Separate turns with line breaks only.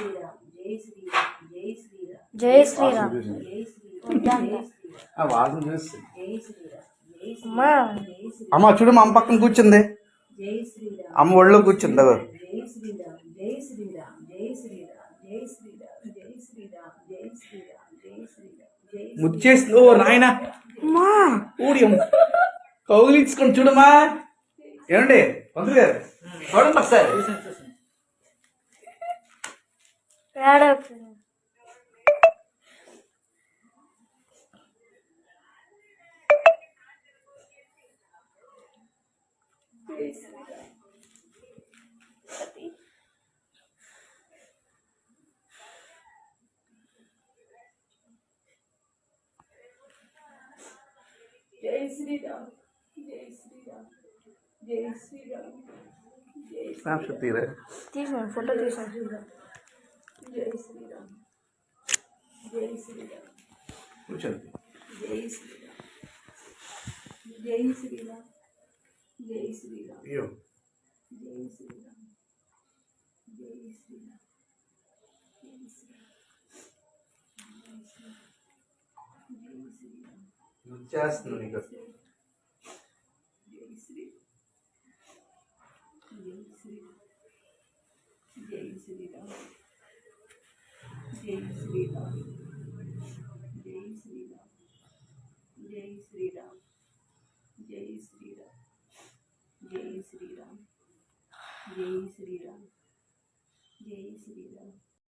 జై శ్రీరామ్
అమ్మ చూడు మా అమ్మ పక్కన కూర్చుంది అమ్మ ఒళ్ళో కూర్చుంది అదో ముచ్చేసి ఓ నాయన ఊడి కౌగిలించుకొని చూడమ్మా ఏమండి పంతులు గారు చూడండి ఒకసారి
जय श्री राम जय श्री राम जय श्री राम
స్నాప్షాట్ తీరే
తీసాను ఫోటో తీసాను
जय श्री राम जय श्री राम
కూర్చోండి
जय श्री राम जय श्री राम जय श्री राम
అయ్యో
जय श्री राम जय श्री राम जय श्री राम
ముచ్చేస్తుంది నీకు
जय श्री जय श्री राम जय श्री राम जय श्री राम जय श्री राम जय श्री राम जय श्री राम जय श्री राम जय श्री राम